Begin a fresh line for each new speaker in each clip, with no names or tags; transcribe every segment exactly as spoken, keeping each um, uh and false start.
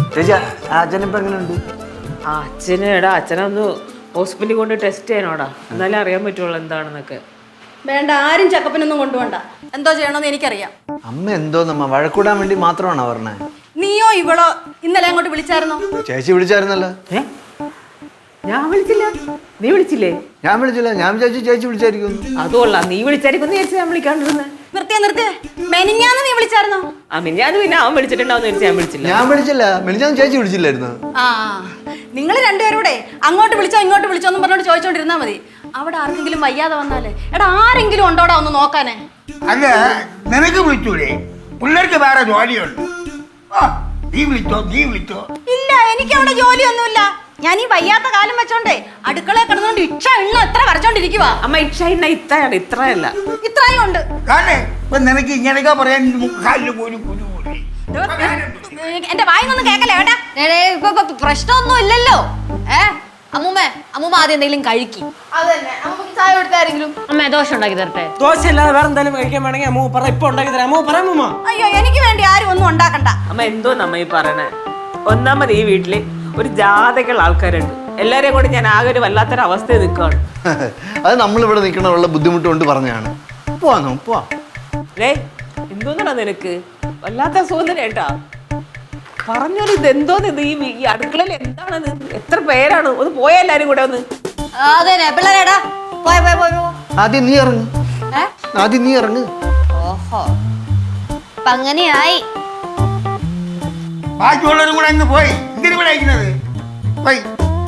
ചേച്ചി അച്ഛനിപ്പോ എങ്ങനെയുണ്ട്?
ആ അച്ഛന് എടാ അച്ഛനൊന്ന് ഹോസ്പിറ്റലിൽ കൊണ്ട് ടെസ്റ്റ് ചെയ്യാനോടാ, എന്നാലേ അറിയാൻ പറ്റുള്ളൂ എന്താണെന്നൊക്കെ.
വേണ്ട, ആരും ചെക്കപ്പിനൊന്നും കൊണ്ടുപോണ്ട. എന്തോ ചെയ്യണമെന്ന് എനിക്കറിയാം.
അമ്മ എന്തോ നമ്മ വഴക്കൂടാൻ വേണ്ടി മാത്രമാണോ പറഞ്ഞേ?
നീയോ ഇവളോ ഇന്നലെ അങ്ങോട്ട് വിളിച്ചായിരുന്നോ?
ചേച്ചി വിളിച്ചായിരുന്നല്ലോ.
ഏ ഞാൻ വിളിച്ചില്ല, നീ വിളിച്ചില്ലേ?
ഞാൻ വിളിച്ചില്ല, ഞാൻ വിചാരിച്ചു ചേച്ചി വിളിച്ചായിരിക്കും.
അതുകൊള്ളാം, നീ വിളിച്ചായിരിക്കും വിചാരിച്ചു ഞാൻ വിളിക്കാണ്ടിരുന്നേ.
നിർത്തിയ നിർത്തിയ മെനിഞ്ഞാന്ന് നീ വിളിച്ചായിരുന്നോ?
ആ മിനിഞ്ഞാന്ന് പിന്നെ അവൻ വിളിച്ചിട്ടുണ്ടാവും വിചാരിച്ചു ഞാൻ വിളിച്ചില്ല.
ഞാൻ വിളിച്ചില്ല, മിനിഞ്ഞാന്ന് ചേച്ചി വിളിച്ചില്ലായിരുന്നു.
ആ നിങ്ങൾ രണ്ടുപേരൂടെ അങ്ങോട്ട് വിളിച്ചോ ഇങ്ങോട്ട് വിളിച്ചോ എന്നും പറഞ്ഞോണ്ട് ചോദിച്ചോണ്ടിരുന്നാ മതി. അവിടെ ആർക്കെങ്കിലും വയ്യാതെ വന്നാലേ എടാ ആരെങ്കിലും ഉണ്ടോടാ ഒന്ന് നോക്കാനേ?
അല്ല, നിനക്ക് വിളിച്ചൂടെ? പിള്ളേർക്ക് വേറെ ജോലിയുണ്ട്. നീ വിളിച്ചോ നീ വിളിച്ചോ.
ഇല്ല, എനിക്ക് അവിടെ ജോലിയൊന്നുമില്ല. ഞാൻ ഈ വയ്യാത്ത കാലം വെച്ചോണ്ടേ അടുക്കളയിൽ കിടന്നുകൊണ്ട് ഇക്ഷ എണ്ണ എത്ര വരച്ചോണ്ടിരിക്കുവാ.
അമ്മ ഇക്ഷ ഇന്ന ഇത്രയാണ്, ഇത്രയല്ല
ഇത്രയും ഉണ്ട്.
കാരണം ഇപ്പൊ നിനക്ക് ഇങ്ങനെയൊക്കെ പറയാൻ കാലില് പോലും കുരു പോലെ.
എന്റെ വായിന്നൊന്നും കേക്കല്ലേ ഏട്ടാ.
പ്രശ്നമൊന്നും ഇല്ലല്ലോ. ഏ അമ്മൂമ്മ അമ്മൂമ്മ ആദ്യം എന്തെങ്കിലും കഴിക്കും.
അതന്നെ നമുക്ക് ചായ കൊടുത്താരെങ്കിലും.
അമ്മ ദോശ ഉണ്ടാക്കി തരട്ടെ?
ദോശ അല്ലാതെ വേറെ എന്തെങ്കിലും കഴിക്കാൻ വേണമെങ്കിൽ അമ്മ പറ, ഇപ്പൊ ഉണ്ടാക്കി തരാം. അമ്മ പറയാം അമ്മ.
അയ്യോ, എനിക്ക് വേണ്ടി ആരും ഒന്നും ഉണ്ടാക്കണ്ട.
അമ്മ എന്തോ നമ്മ ഈ പറയണേ. ഒന്നാമത് ഈ വീട്ടില് ഒരു ജാതകൾ ആൾക്കാരുണ്ട്. എല്ലാരെയും കൂടി ഞാൻ ആകെ ഒരു വല്ലാത്തൊരു അവസ്ഥയിൽ നിൽക്കുകയാണ്.
അത് നമ്മളിവിടെ നിൽക്കണമുള്ള ബുദ്ധിമുട്ട് കൊണ്ട് പറഞ്ഞാണ്. പോവാന്നോ പോവാ.
ഏ എന്തോന്നാ നിനക്ക് വല്ലാത്ത സോദന ഏട്ടാ. പറഞ്ഞോളൂ, ഇത് എന്തോന്ന് ഇത് ഈ അടുക്കളയിൽ എന്താണത്? എത്ര പേരാണ്? ഒന്ന് പോയാ എല്ലാരും കൂടെ ഒന്ന്.
അതെന്നെ പിള്ളേരേടാ പോയ പോയ പോയ
ആദ്യം നീ ഇറങ്ങ്, ആദ്യം നീ ഇറങ്ങ്.
ഓഹോ അപ്പൊ അങ്ങനെയായി.
ബാക്കിയുള്ളവരും കൂടെ അങ്ങ് പോയി. എന്തിനു ഇവിടെ അയക്കുന്നത്? പോയി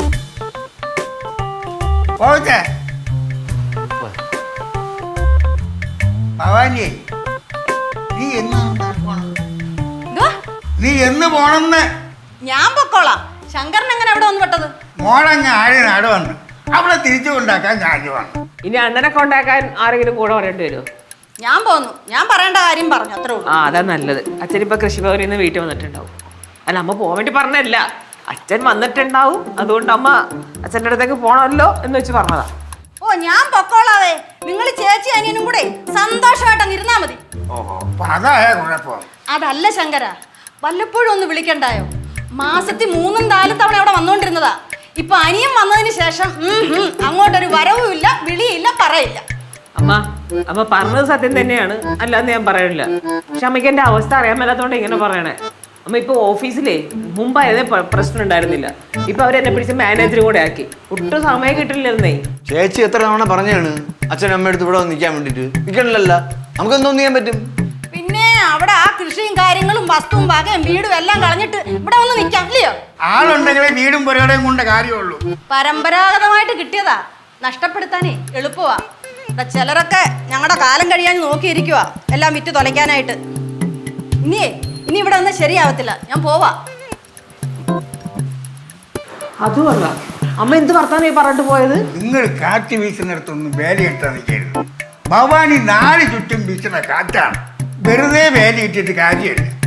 പോവട്ടെ. ഭവാനി, നീ എന്ന് നീ എന്ന് പോണെന്ന്?
ഞാൻ പൊക്കോളാം. ശങ്കരൻ എങ്ങനെ അവിടെ വന്ന് പെട്ടത്?
മോളങ്ങ് ആഴെ നാട് വന്ന് അവളെ തിരിച്ചു കൊണ്ടാക്കാൻ ഞാൻ വന്നു.
ഇനി അണ്ണനെ കൊണ്ടാക്കാൻ ആരെങ്കിലും കൂടെ പറയേണ്ടി വരുമോ?
ഞാൻ പോന്നു. ഞാൻ പറയേണ്ട കാര്യം പറഞ്ഞു, അത്രേ ഉള്ളൂ.
ആ അതാ നല്ലത്. അച്ഛൻ ഇപ്പൊ കൃഷിഭവനിൽ നിന്ന് വീട്ടിൽ വന്നിട്ടുണ്ടാവും. അല്ല അമ്മ പോകാൻ വേണ്ടി പറഞ്ഞല്ല, അച്ഛൻ വന്നിട്ടുണ്ടാവും. അതുകൊണ്ട് അമ്മ അച്ഛൻ്റെ അടുത്തേക്ക് പോണമല്ലോ എന്ന് വെച്ച് പറഞ്ഞതാ.
ഓ ഞാൻ പൊക്കോളാവേ. നിങ്ങൾ ചേച്ചി അനിയനും കൂടെ സന്തോഷമായിട്ടങ്ങ് ഇരുന്നാ മതി.
ഓഹോ, അപ്പൊ അതായ കുഴപ്പം.
അതല്ല ശങ്കര, വല്ലപ്പോഴും ഒന്ന് വിളിക്കണ്ടായോ? മാസത്തിൽ മൂന്നും നാലും തവണ അവിടെ വന്നോണ്ടിരുന്നതാ. ഇപ്പൊ അനിയൻ വന്നതിന് ശേഷം അങ്ങോട്ടൊരു വരവും ഇല്ല, വിളിയില്ല, പറയില്ല.
അമ്മ അമ്മ പറഞ്ഞത് സത്യം തന്നെയാണ്, അല്ലാന്ന് ഞാൻ പറയണില്ല. പക്ഷെ അമ്മയ്ക്ക് എന്റെ അവസ്ഥ അറിയാൻ മേലാത്തോണ്ട് ഇങ്ങനെ പറയണേ. അമ്മ ഇപ്പൊ ഓഫീസിലേ മുമ്പായതേ പ്രശ്നം ഉണ്ടായിരുന്നില്ല. ഇപ്പൊ അവരെന്നെ പിടിച്ച് മാനേജറും കൂടെ ആക്കി. ഒട്ടും സമയം കിട്ടില്ലായിരുന്നേ.
ചേച്ചി എത്ര തവണ പറഞ്ഞാണ് അച്ഛൻ അമ്മ എടുത്ത് ഇവിടെ നിൽക്കാൻ വേണ്ടിട്ട്? നിൽക്കണില്ലല്ലോ, നമുക്ക് എന്തോന്ന് ചെയ്യാൻ പറ്റും?
പിന്നെ അവിടെ ആ കൃഷിയും കാര്യങ്ങളും വസ്തുവും വകയും വീടും എല്ലാം കളഞ്ഞിട്ട് ഇവിടെ വന്ന് നിൽക്കാം ഇല്ലയോ?
ആളുണ്ടെങ്കിലേ വീടും പുരയുടെയും കൊണ്ട് കാര്യമുള്ളൂ.
പരമ്പരാഗതമായിട്ട് കിട്ടിയതാ, നഷ്ടപ്പെടുത്താനേ എളുപ്പമാ. ചിലരൊക്കെ ഞങ്ങളുടെ കാലം കഴിയാൻ നോക്കിയിരിക്കുവാ എല്ലാം വിറ്റ് തൊലയ്ക്കാനായിട്ട്. ഇനിയേ ഇനി ഇവിടെ ഒന്നും ശരിയാവത്തില്ല, ഞാൻ പോവാ.
അതുമല്ല അമ്മ എന്ത് വർത്താനം പറഞ്ഞിട്ട് പോയത്?
നിങ്ങൾ കാറ്റ് വീശുന്നിടത്തൊന്നും വേലയിട്ടാ നിൽക്കരുത്. ഭവാനി നാല് ചുറ്റും വീശുന്ന കാറ്റാണ്. വെറുതെ വേലയിട്ടിട്ട് കാര്യമില്ല.